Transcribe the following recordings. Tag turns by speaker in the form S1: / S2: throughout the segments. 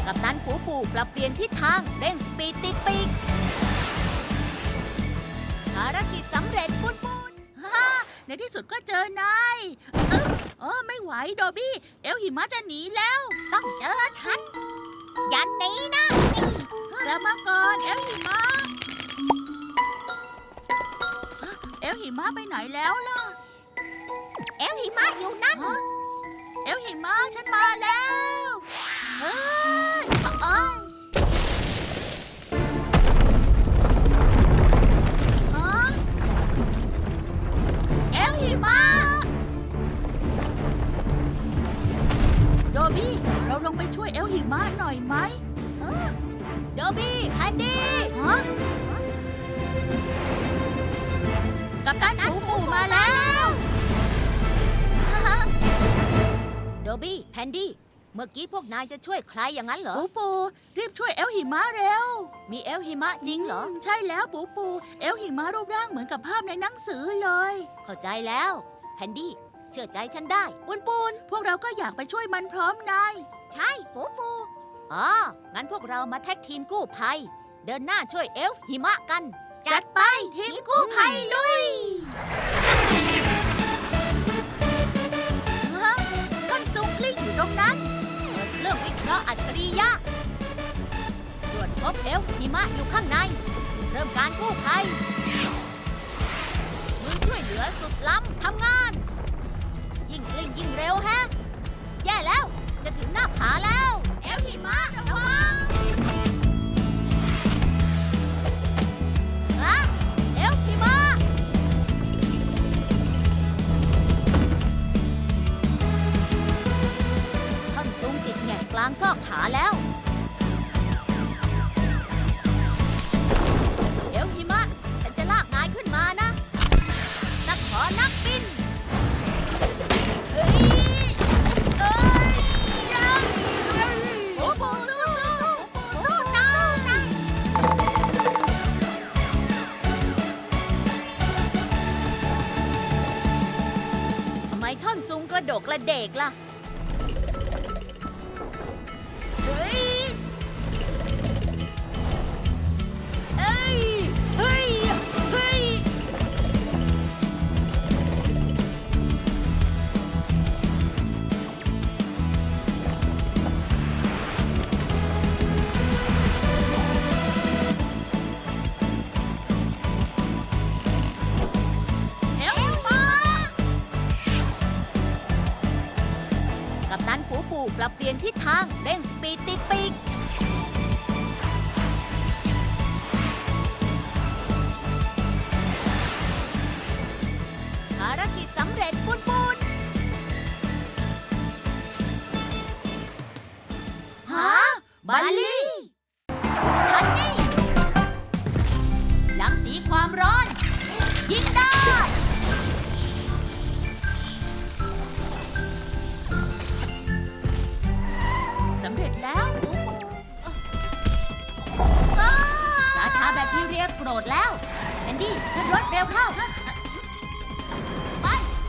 S1: กัปตันปูปูปรับเปลี่ยนทิศทางเร่งสปีดติดปีกภารกิจสำเร็จปุนปุน
S2: ฮ่าในที่สุดก็เจอนายไม่ไหวโดบี้ เอลหิมะจะหนีแล้ว
S3: ต้องเจอฉัน อย่าหนีนะ
S2: กลับมาก่อนเอลหิมะเอลหิมะไปไหนแล้วล่ะ
S3: เอลหิมะอยู่นั่น
S2: เอลหิมะฉันมาแล้วเฮ้ยเอ้ยฮะเอลหิมะโดบี้ เราลงไปช่วยเอลหิมะหน่อยไหม
S1: โดบี้แพนดี้
S2: ฮะกัปตันปูปูมาแล้ว
S1: โดบี้แพนดี้เมื่อกี้พวกนายจะช่วยใครอย่างนั้นเหรอ
S2: ปูปูรีบช่วยเอลหิมะเร็ว
S1: มีเอลหิมะจริงเหรอ
S2: ใช่แล้วปูปู เอลหิมะรูปร่างเหมือนกับภาพในหนังสือเลย
S1: เข้าใจแล้วแพนดี้เชื่อใจฉันได้ปุนปุน
S2: พวกเราก็อยากไปช่วยมันพร้อมนาย
S3: ใช่ปูปู
S1: อ๋องั้นพวกเรามาแท็กทีมกู้ภัย เดินหน้าช่วยเอลฟ์หิมะกัน
S2: จัดไปทีมกู้ภัยลุยฮะต้นซุงกลิ้งอยู่ตรงนั้น
S1: เปิดเครื่องวิเคราะห์อัจฉริยะตรวจพบเอลฟ์หิมะอยู่ข้างใน เริ่มการกู้ภัย มือช่วยเหลือสุดล้ำทำงาน ยิ่งกลิ้งยิ่งเร็วแฮะ แย่แล้ว จะถึงหน้าผาแล้ว
S2: เอลหิมะระวัง
S1: ฮะเอลฟ์หิมะท่อนซุงติดแง่กลางซอกผาแล้ว เอลหิมะฉันจะลากนายขึ้นมานะ นักขอนักบิน เฮ้ย เอ้ยยัง
S2: ปูปูสู้ๆปูปูสู้ๆนะ
S1: ทำไมท่อนซุงกระโดกกระเดกล่ะ
S2: เฮ้ยเอ้ยเฮ้ยเฮ้ยเอลหิมะ
S1: กัปตันปูปูปรับเปลี่ยนทิศทางเร่งสปีดติดปีกภารกิจสำเร็จปุนปุน
S2: ฮะบัลลี่
S1: ฉันนี่หลังสีความร้อน ยิงได้
S2: สำเร็จแล้วปูปู
S1: ราชาแบคทีเรียโกรธแล้วแอนดี้ขึ้นรถเร็วเข้า ไป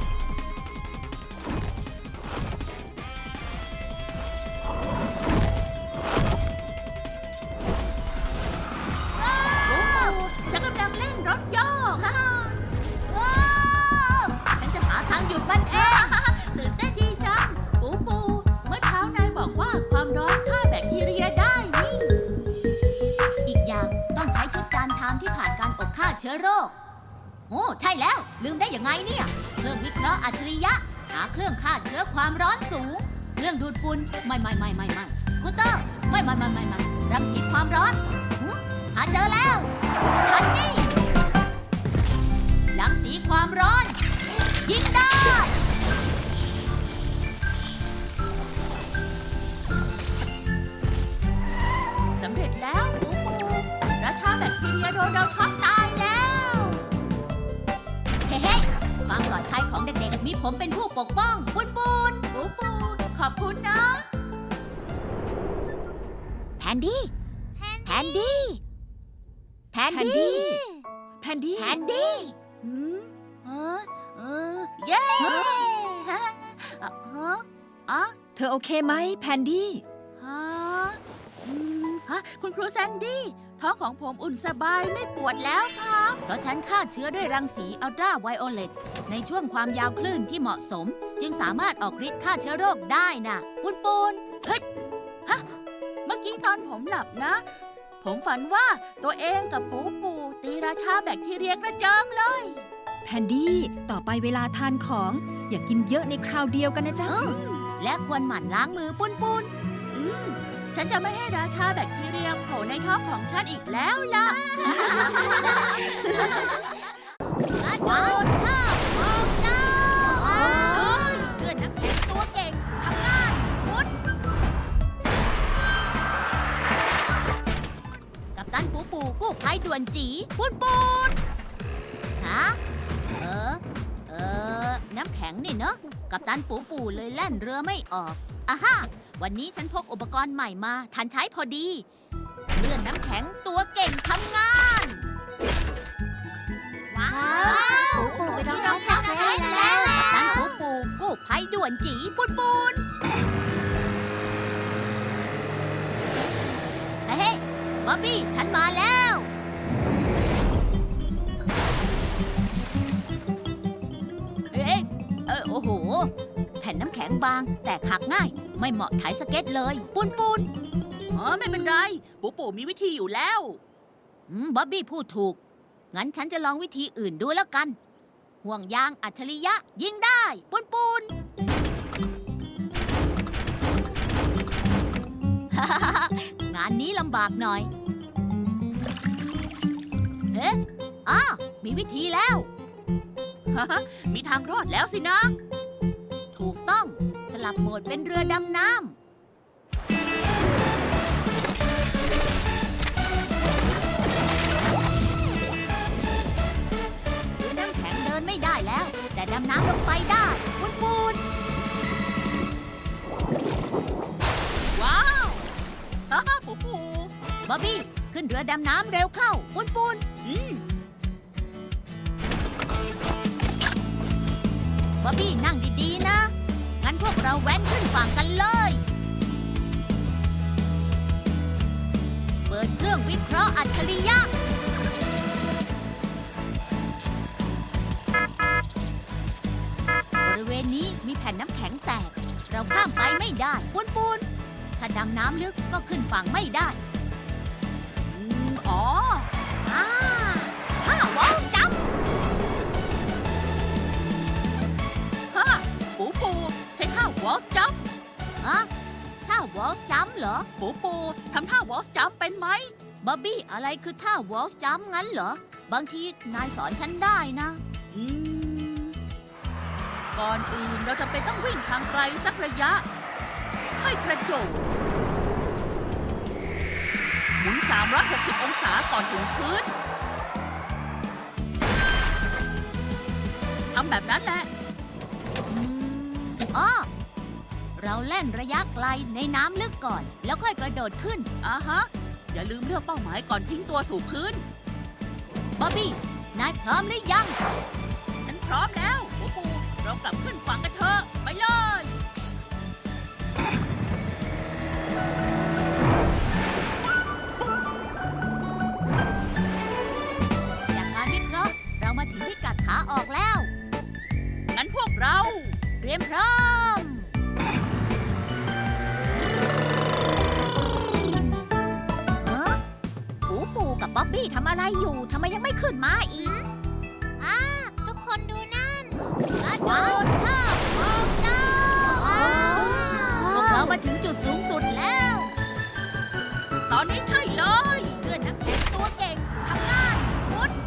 S2: ฉันกำลังเล่นรถโยก
S1: ว้าวฉันจะหาทางหยุดมันเอง
S2: ตื่นเต้นดีจัง ปูปู เมื่อเช้านายบอกว่าความร้อนฆ่าแบคทีเรียได้นี่
S1: อีกอย่างต้องใช้ชุดจานชามที่ผ่านการอบฆ่าเชื้อโรค โอ้ใช่แล้ว ลืมได้ยังไงเนี่ย เครื่องวิเคราะห์อัจฉริยะ หาเครื่องฆ่าเชื้อความร้อนสูง เครื่องดูดฝุ่นไม่สกูตเตอร์ไม่รังสีความร้อนหาเจอแล้ว ฉันนี่รังสีความร้อน ยิงได้
S2: สำเร็จแล้วปูปู ราชาแบคทีเรียโดนเราช็อตตายแล้ว
S1: เฮ้ความปลอดภัยของเด็กๆ มีผมเป็นผู้ปกป้องปุน
S2: ปูปู ขอบคุณนะ
S1: แพนดี้แพนดี้
S3: แพนดี้
S1: แพนดี้
S2: หืมเย้ฮะ
S3: เธอโอเคไหมแพนดี้
S2: ฮะคุณครูแซนดี้ ท้องของผมอุ่นสบายไม่ปวดแล้วครับ
S1: เพราะฉันฆ่าเชื้อด้วยรังสีอัลตราไวโอเลตในช่วงความยาวคลื่นที่เหมาะสม จึงสามารถออกฤทธิ์ฆ่าเชื้อโรคได้น่ะปุนปุน
S2: เมื่อกี้ตอนผมหลับนะ ผมฝันว่าตัวเองกับปูปูตีราชาแบคทีเรียกระเจิงเลย
S4: แพนดี้ ต่อไปเวลาทานของ อย่ากินเยอะในคราวเดียวกันนะจ๊ะ
S1: และควรหมั่นล้างมือปุนปุน
S2: อืมฉันจะไม่ให้ราชาแบคทีเรียโผล่ในท้องของฉันอีกแล้วล่ะ
S1: กระโดดข้ามออกน้ำเลื่อนน้ำแข็งตัวเก่งทำงานปุนกัปตันปูปูกู้ภัยด่วนจีปุนปุนฮะน้ำแข็งนี่เนอะกัปตันปูปูเลยแล่นเรือไม่ออกอ่ะฮะวันนี้ฉันพกอุปกรณ์ใหม่มาทันใช้พอดีเลื่อนน้ำแข็งตัวเก่งทำงาน
S3: ว้าว
S1: ปูปูไปรองเท้าซักแล้วกัปตันปูปูกู้ภัยด่วนจีปุนปุนเฮ้ยบ๊อบบี้ฉันมาแล้วโอ้โห แผ่นน้ำแข็งบางแต่หักง่าย ไม่เหมาะถ่ายสเก็ตเลยปุนปุน
S2: อ๋อไม่เป็นไร ปูปูมีวิธีอยู่แล้ว
S1: บ๊อบบี้พูดถูก งั้นฉันจะลองวิธีอื่นดูแล้วกัน ห่วงยางอัจฉริยะยิงได้ปุนปุน งานนี้ลำบากหน่อย เอ๊ะมีวิธีแล้ว
S2: มีทางรอดแล้วสินะ
S1: ถูกต้องสลับโหมดเป็นเรือดำน้ำเรือน้ำแข็งเดินไม่ได้แล้ว แต่ดำน้ำลงไปได้ปุนปุน
S2: ว้าวปูปู
S1: บ๊อบบี้ ขึ้นเรือดำน้ำเร็วเข้าปุนปุนบ๊อบบี้นั่งดีๆนะ งั้นพวกเราแว้นขึ้นฝั่งกันเลย เปิดเครื่องวิเคราะห์อัจฉริยะ บริเวณนี้มีแผ่นน้ำแข็งแตก เราข้ามไปไม่ได้ปุนปุนถ้าดำน้ำลึกก็ขึ้นฝั่งไม่ได้
S2: อ๋อ
S3: ถ้าว้าวจับ
S2: ปูปูใช้ท่าวอลส์จัมป์
S1: ถ้าวอลส์จัมป์เหรอ
S2: ปูปูทำท่าวอลส์จัมป์เป็นไหม
S1: บ๊อบบี้ อะไรคือท่าวอลส์จัมป์งั้นเหรอ บางทีนายสอนฉันได้นะ
S2: ก่อนอื่นเราจะเป็นต้องวิ่งทางไกลสักระยะค่อยกระโดดหมุน360 องศาก่อนถึงพื้นทำแบบนั้นแหละ
S1: เราเล่นระยะไกลในน้ำลึกก่อน แล้วค่อยกระโดดขึ้น
S2: อย่าลืมเลือกเป้าหมายก่อนทิ้งตัวสู่พื้น
S1: บ๊อบบี้ นายพร้อมหรือยัง
S2: ฉันพร้อมแล้วปูปูเรากลับขึ้นฝั่งกันเถอะไปเลย
S1: จากการวิเคราะห์เรามาถึงพิกัดขาออกแล้ว
S2: งั้นพวกเรา
S1: เตรียมพร้อม
S3: ปูปูกับบ๊อบบี้ทำอะไรอยู่ ทำไมยังไม่ขึ้นมาอีกทุกคนดูนั่น
S1: กระโดดข้ามออกน้ำพวกเรามาถึงจุดสูงสุดแล้ว
S2: ตอนนี้ใช่เลย
S1: เพื่อนน้ำแข็งตัวเก่งทำงานมุด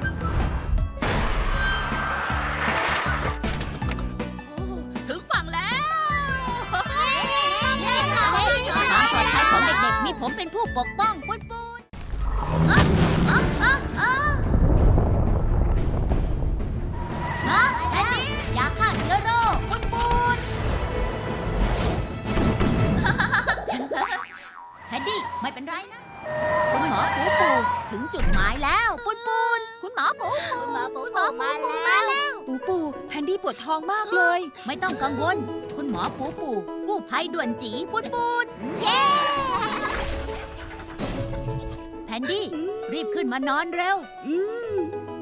S2: ถึงฝั่งแล้ว
S1: ความปลอดภัยของเด็กๆ มีผมเป็นผู้ปกป้องปุ้นปุ้นนะแพนดี้ยาฆ่าเชื้อโรคปุ้นปุ้นแพนดี้ไม่เป็นไรนะ คุณหมอปูปูถึงจุดหมายแล้วปุ้นปุ้น
S3: คุณหมอปูปู
S1: คุณหมอปู
S3: คุณหมอปูปูมาแล้ว
S4: ปูปูแพนดี้ปวดท้องมากเลย
S1: ไม่ต้องกังวล คุณหมอปูปูกู้ภัยด่วนจีปุ้นปุ้น
S3: เย้
S1: นดี้ รีบขึ้นมานอนเร็ว
S2: อืม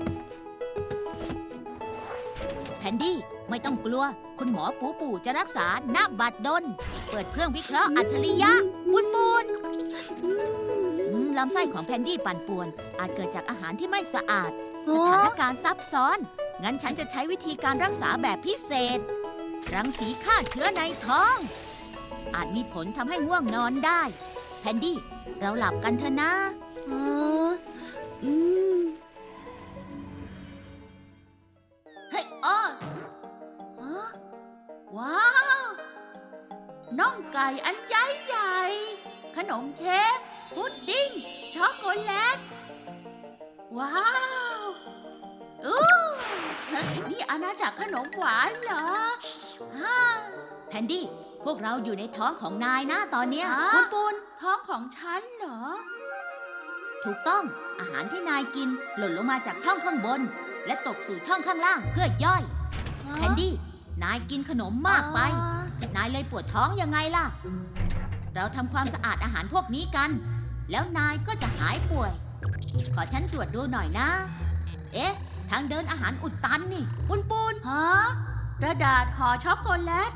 S1: แพนดี้ไม่ต้องกลัว คุณหมอปูปูจะรักษาณบัดดล เปิดเครื่องวิเคราะห์อัจฉริยะปุนปูนลำไส้ของแพนดี้ปั่นป่วน อาจเกิดจากอาหารที่ไม่สะอาด สถานการณ์ซับซ้อน งั้นฉันจะใช้วิธีการรักษาแบบพิเศษ รังสีฆ่าเชื้อในท้อง อาจมีผลทำให้ง่วงนอนได้ แพนดี้ เราหลับกันเถอะนะ
S2: อ๋ออืมเฮ้ยอ้อฮะว้าว น่องไก่อันใหญ่ใหญ่ ขนมเค้กพุดดิ้ง ช็อกโกแลต ว้าวอู้นี่อาณาจักรขนมหวานเหรอฮ่า
S1: แพนดี้ พวกเราอยู่ในท้องของนายนะตอนเนี้ย
S2: ฮะ
S1: ปุนปูน
S2: ท้องของฉันเหรอ
S1: ถูกต้อง อาหารที่นายกินหล่นลงมาจากช่องข้างบน และตกสู่ช่องข้างล่างเพื่อย่อย แพนดี้ นายกินขนมมากไป นายเลยปวดท้องยังไงล่ะ เราทำความสะอาดอาหารพวกนี้กัน แล้วนายก็จะหายป่วย ขอฉันตรวจดูหน่อยนะ เอ๊ะ ทางเดินอาหารอุดตันนี่ปุนปูน
S2: ฮะกระดาษห่อช็อกโกแลต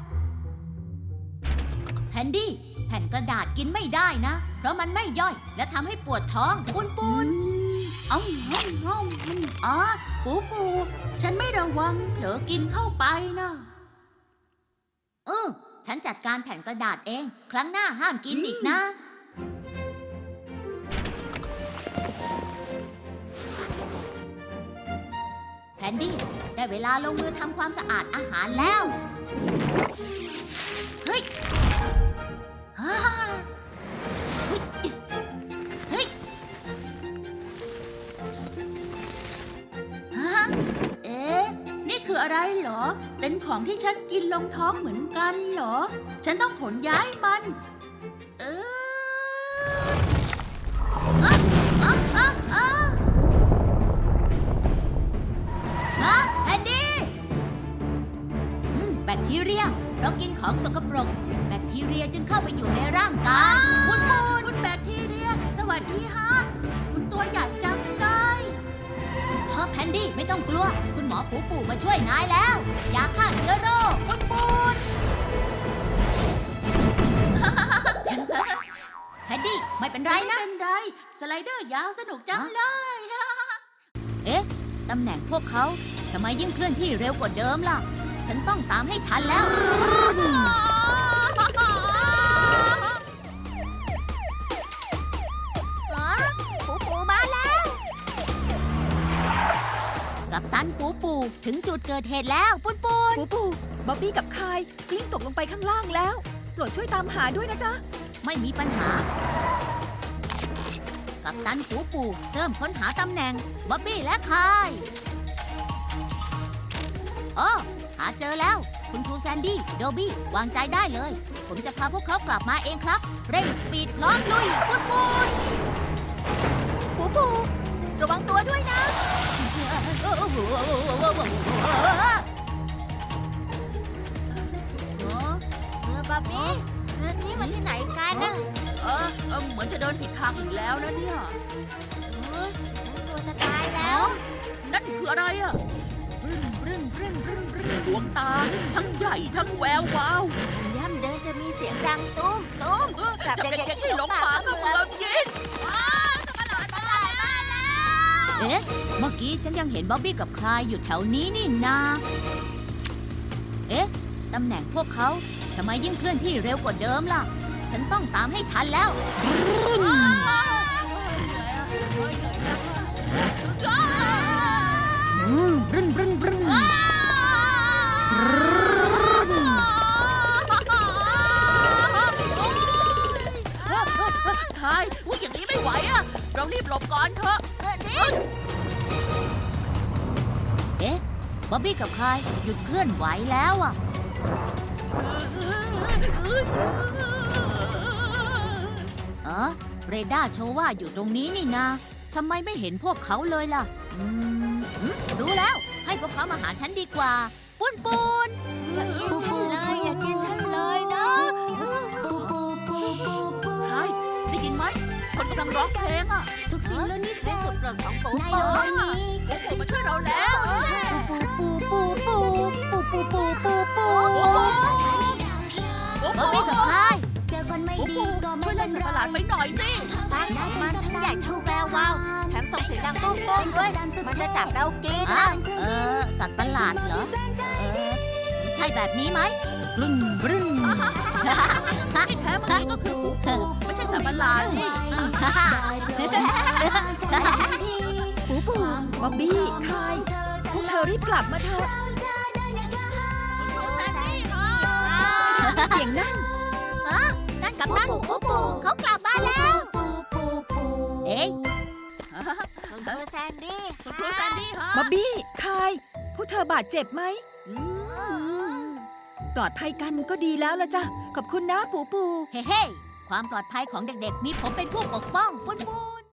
S1: แพนดี้ แผ่นกระดาษกินไม่ได้นะ เพราะมันไม่ย่อย และทำให้ปวดท้องปุนปูน
S2: อ้อมอ๋อ ปูปู ฉันไม่ระวังเผลอกินเข้าไปนะ
S1: ฉันจัดการแผ่นกระดาษเอง ครั้งหน้าห้ามกินอีกนะ แพนดี้ ได้เวลาลงมือทำความสะอาดอาหารแล้ว
S2: เฮ้ยฮ่าเฮ้ยฮะเอ๊ะ นี่คืออะไรเหรอ เป็นของที่ฉันกินลงท้องเหมือนกันเหรอ ฉันต้องขนย้ายมัน เอออ่ะอ่ะอ่ะอ่ะ
S1: ฮะ แพนดี้ แบคทีเรีย เรากินของสกปรก แบคทีเรียจึงเข้าไปอยู่ในร่างกายปุนปูน
S2: คุณแบคทีเรีย สวัสดีฮะ คุณตัวใหญ่จังเลย
S1: ฮะแพนดี้ไม่ต้องกลัว คุณหมอปูปูมาช่วยนายแล้ว ยาฆ่าเชื้อโรคปุนปูน แพนดี้ไม่เป็นไร
S2: ไม่
S1: นะ
S2: เป็นไร สไลเดอร์ยาวสนุกจังเลย
S1: เอ๊ะ ตำแหน่งพวกเขาทำไมยิ่งเคลื่อนที่เร็วกว่าเดิมล่ะ ฉันต้องตามให้ทันแล้ว
S3: ปูปูมาแล้ว
S1: กัปตันปูปูถึงจุดเกิดเหตุแล้วปุนปูน
S4: ปูปูบ๊อบบี้กับคายกลิ้งตกลงไปข้างล่างแล้วโปรดช่วยตามหาด้วยนะจ๊ะ
S1: ไม่มีปัญหา กัปตันปูปูเริ่มค้นหาตำแหน่งบ๊อบบี้และคายอ๋อหาเจอแล้ว คุณครูแซนดี้ โดบี้ วางใจได้เลย ผมจะพาพวกเขากลับมาเองครับ เร่งสปีดพร้อมลุยปุนปูน
S3: ปูปู ระวังตัวด้วยนะ
S1: บ๊อบบี้
S3: นี่มันที่ไหนกันนะ
S2: เหมือนจะเดินผิดทางอีกแล้วนะเนี่ย
S3: ฉันกลัวจะตายแล้ว
S2: นั่นคืออะไรอะดวงตา ทั้งใหญ่ทั้งแวววาว
S3: ย่ำเดินจะมีเสียงดังตุ้มตุ้มจับเด็กๆที่หลงป่าก็เหมือน
S2: ยิง
S1: เอ๊ะ เมื่อกี้ฉันยังเห็นบ๊อบบี้กับคลายอยู่แถวนี้นี่นา เอ๊ะ ตำแหน่งพวกเขาทำไมยิ่งเคลื่อนที่เร็วกว่าเดิมล่ะ ฉันต้องตามให้ทันแล้ว บรึ้นบรึ้นบรึ้น
S2: ทายว่าอย่างนี้ไม่ไหวอะเรารีบหลบก่อนเถอะ
S1: เอ๊ะ บ๊อบบี้กับคลายหยุดเคลื่อนไหวแล้วอ่ะ อ๋อ เรดาร์โชว์ว่าอยู่ตรงนี้นี่นาทำไมไม่เห็นพวกเขาเลยล่ะ รู้แล้ว ให้พวกเขามาหาฉันดีกว่า ปุ้นปูน
S3: อย่ากินฉันเลย อย่ากินฉันเลยนะ
S2: ทายได้ยินไหม คนกำลังร้องเพลงอะ
S1: ทุกสิ่งเหล่านี้แสนสุดโปรดของปู
S2: ใน
S1: ปู
S2: โลกนี้
S3: ปูมาช่วยเราแล้ว
S1: ปูปูปูปูปูปูปูปูปู
S3: ปู
S1: บ๊อบบี้กับพาย
S2: เจอคนไม่
S3: ปู
S2: ดีก็
S3: ช่
S2: ไม่
S3: วย
S2: เป็
S3: เล่น
S2: น
S3: สัตว์
S2: ไร
S3: ประหลาดไปหน่อยสิ
S2: มันทั้งใหญ่ทั้งแวววาวแถมส่งเสียงดังโก้งๆด้วย มันจะจับเรากิน
S1: อ่ะสัตว์ประหลาดเหรอ ใช่แบบนี้ไหมบรึ้นบรึ้น
S3: ที่แท้เมื่อกี้ก็คือปูไม่ใช่สัตว์ประหลาดนี่
S4: ปูปูบ๊อบบี้คายพวกเธอรีบกลับมาเถอะ
S3: แซนดี้ค่ะ
S4: เสียงนั่น
S3: นั่นกับนั่นปูเขากลับมาแล้ว
S1: เอ๊ะ
S3: คุณครูแซนดี้คุณครูแซนดี้ค่ะ
S4: บ๊อบบี้คายพวกเธอบาดเจ็บไหม ปลอดภัยกันก็ดีแล้วละจ้ะ ขอบคุณนะปูปู
S1: เฮ้เฮ้ความปลอดภัยของเด็กๆ มีผมเป็นผู้ปกป้องปุ้นปุ้น